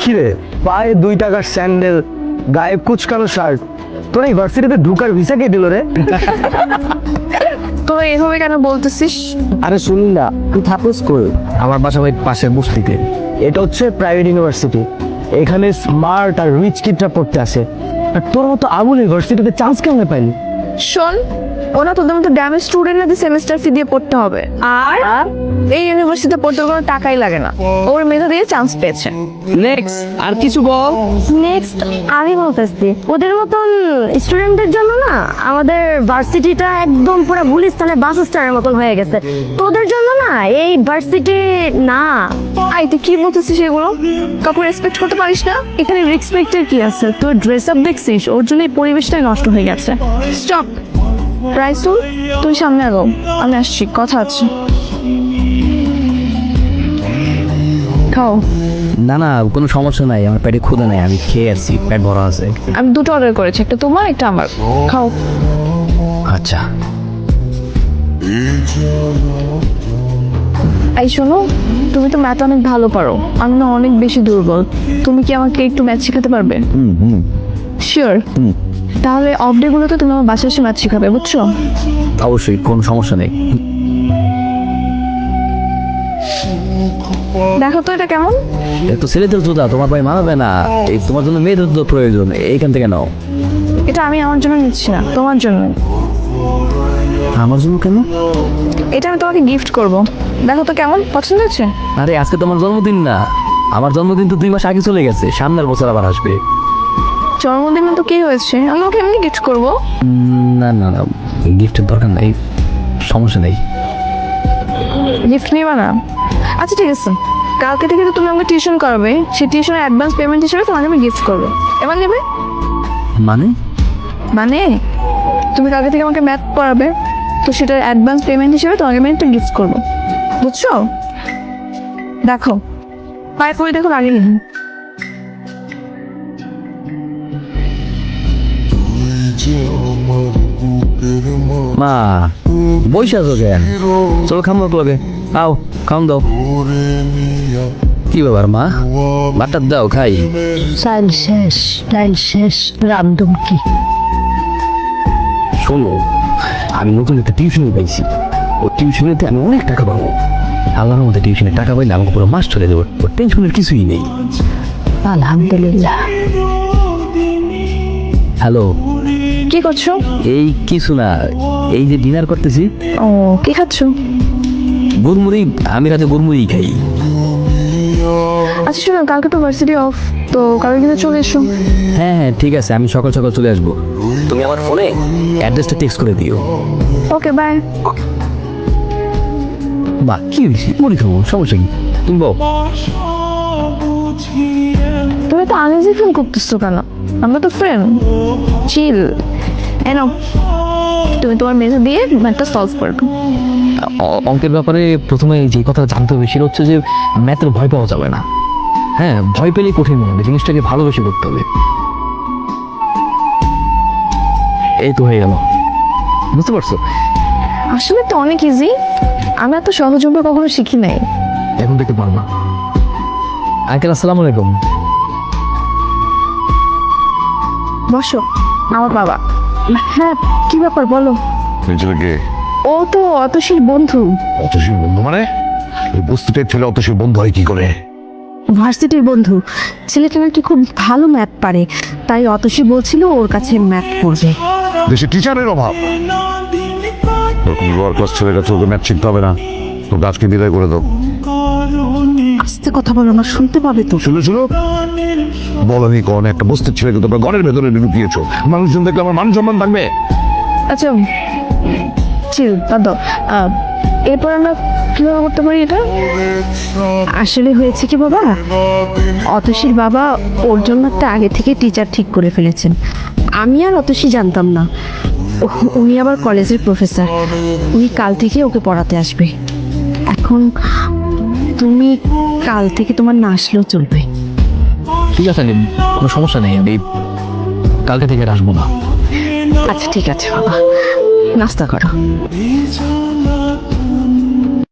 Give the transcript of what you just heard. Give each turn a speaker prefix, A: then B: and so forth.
A: কিরে, পায়ে 2 টাকার স্যান্ডেল, গায়ে কুচকানো শার্ট, তোর এই ভার্সিটিতে ঢুকার ভিসা কে দিল রে?
B: তোরা এভাবে কেন বলতেছিস?
A: আরে শুনি না, তুই থাকস কই? আমার বাসা ওই পাশের বস্তিতে। এটা হচ্ছে প্রাইভেট ইউনিভার্সিটি, এখানে স্মার্ট আর রিচ কিডরা পড়তে আসে। আর তোর মতো আবুল ইউনিভার্সিটিতে চান্স কেমনে পাইলি?
B: শোন, ওরা তোদের মতো ড্যামেজ স্টুডেন্টদের সেমিস্টার ফি দিয়ে পড়তে হবে, আর এই ইউনিভার্সিটিতে পড়তে কোনো টাকাই লাগে না। ওর মেধা দিয়ে চান্স পেয়েছে।
A: নেক্সট আর কিছু বল।
C: নেক্সট আমি বলতেছি, ওদের মতন স্টুডেন্টদের জন্য না আমাদের ভার্সিটিটা একদম পুরো গুলিস্তানের বাস স্ট্যান্ডের মতন হয়ে গেছে। তোদের জন্য না এই ভার্সিটি না।
B: আই তুই কি বলতেছিস এগুলো? কাউকে রেসপেক্ট করতে পারিস না? এখানে রেসপেক্টের কি আছে? তোর ড্রেস আপ দেখছিস, ওর জন্য এই পরিবেশটাই নষ্ট হয়ে গেছে। স্টপ রাইসুল, তুই সামনে আগো, আমি আসছি, কথা আছে। খাও।
D: না না, কোনো সমস্যা নাই, আমার পেটে ক্ষুধা নাই, আমি খেয়ে আসছি, পেট ভরা আছে।
B: আমি দুটো অর্ডার করেছি, একটা তোমার একটা আমার। খাও।
D: আচ্ছা।
B: এই শোনো, তুমি তো ম্যাথ অনেক ভালো পারো, আমি না অনেক বেশি দুর্বল। তুমি কি আমাকে একটু ম্যাথ শেখাতে পারবে? শিওর? তাহলে অফ ডে গুলোতে তুমি আমার বাসায় এসে ম্যাথ শেখাবে, বুঝছো?
D: অবশ্যই, কোনো সমস্যা নেই।
B: দেখো তো এটা কেমন।
D: এ তো ছেলেদের জুতা, তোমার ভাই মানাবে না, এই তোমার জন্য মেয়েদের জুতো প্রয়োজন, এইখান থেকে নাও।
B: এটা আমি আমার জন্য নিচ্ছি না, তোমার জন্য।
D: আমার জন্য কেন?
B: এটা আমি তোমাকে গিফট করব, দেখো তো কেমন, পছন্দ হচ্ছে?
D: আরে আজকে তোমার জন্মদিন না, আমার জন্মদিন তো 2 মাস আগে চলে গেছে, সামনের বছর আবার আসবে।
B: জন্মদিনে তো কি হয়েছে, আমি ওকে এমনি গিফট করবো।
D: না না না, গিফটের দরকার নেই, সমস্যা নেই।
B: গিফট নিবা না? আচ্ছা ঠিক আছে, কালকে থেকে তো তুমি আমাকে টিউশন করাবে, সেই টিউশনের অ্যাডভান্স পেমেন্ট হিসেবে তোমাকে আমি গিফট করবো। এবার নেবে?
D: মানে?
B: মানে তুমি কালকে থেকে আমাকে ম্যাথ পড়াবে, তো সেটার অ্যাডভান্স পেমেন্ট হিসেবে তোমাকে আমি একটা গিফট করবো, বুঝছো? দেখো, পায়ে পড়ে দেখো, লাগেনি?
D: মা বইসা আছো কেন? চলো খাম লগে, আও খাম দাও। কি ব্যাপার মা, ভাতটা দাও খাই।
C: ডাইল শেষ, রামদম কি?
D: শোনো, আমি নতুন একটা টিউশনি পাইছি, ও টিউশনিতে আমি অনেক টাকা পাবো। আল্লাহর মধ্যে টিউশনের টাকা পাইলে আমাকে পুরো মাস চলে দেবো, ওর টেনশনের কিছুই নেই।
C: আলহামদুলিল্লাহ।
D: হ্যালো,
B: কি করছো?
D: এই কিছু না, এই যে ডিনার করতেছি।
B: ও, কি খাচ্ছো?
D: গুড়মুড়ি, আমি রাতে গুড়মুড়ি খাই।
B: আচ্ছা শোনো, কালকে তো ভার্সিটি অফ, তো কালকে কিন্তু চলে এসো।
D: হ্যাঁ হ্যাঁ ঠিক আছে, আমি সকাল সকাল চলে আসবো। তুমি আমার ফোনে অ্যাড্রেসটা টেক্সট করে দিও।
B: Okay bye.
D: বাহ, কি হয়েছে, মুড়ি খাবো, সমস্যা কি? তুমি বল।
B: তুমি তো আনইজি ফিল করতেছো কেন? আমরা তো ফ্রেন্ড, চিল। এনো, তুমি তোমার মেধা দিয়ে ম্যাথটা সলভ করবে।
D: অঙ্কের ব্যাপারে প্রথমে যে কথা জানতে হবে সেটা হচ্ছে যে ম্যাথের ভয় পাওয়া যাবে না। হ্যাঁ, ভয় পেলেই কঠিন মনে হবে, জিনিসটাকে ভালোবেসে করতে হবে। এই তো হয়ে গেল, বুঝতে পারছো?
B: আসলে তো অনেক ইজি, আমি এত সহজভাবে কখনো শিখি নাই।
D: এখন দেখতে পারবা। আঙ্কেল আসসালামু আলাইকুম।
B: বসো, আমার বাবা। হ্যাঁ, কি ব্যাপার বলো।
E: ছেলেকে
B: ও তো অতসীর বন্ধু।
E: অতসীর বন্ধু মানে? ওই বস্তুটার ছেলে অতসীর বন্ধু হয় কি করে?
C: ভার্সিটির বন্ধু, ছেলেটা নাকি খুব ভালো ম্যাথ পারে, তাই অতসী বলছিল ওর কাছে ম্যাথ পড়বে।
E: দেশে টিচারের অভাব, ওরকম লোয়ার ক্লাস ছেলের কাছে ওকে ম্যাথ শিখতে হবে না, তো গাছকে বিদায় করে দাও।
C: আস্তে কথা বলো না, শুনতে পাবে তো।
E: শুনো শুনো, বলনি কোন একটা বস্তির ছেলেকে তোমরা ঘরের ভেতরে ঢুকিয়েছো, মানুষজন দেখলে আমার মান সম্মান থাকবে?
B: আচ্ছা চিল, বাদ দাও। এরপর আমরা কিভাবে করতে পারি এটা?
C: আসলে হয়েছে কি বাবা, অতসীর বাবা ওর জন্য একটা আগে থেকে টিচার ঠিক করে ফেলেছেন। আমি আর অতসী জানতাম না, উনি আবার কলেজের প্রফেসর, উনি কাল থেকে ওকে পড়াতে আসবে। এখন তুমি কাল থেকে তোমার না আসলেও চলবে।
D: ঠিক আছে, কোনো সমস্যা নেই, আমি কালকে থেকে আর আসবো না।
C: আচ্ছা ঠিক আছে বাবা, নাস্তা করো।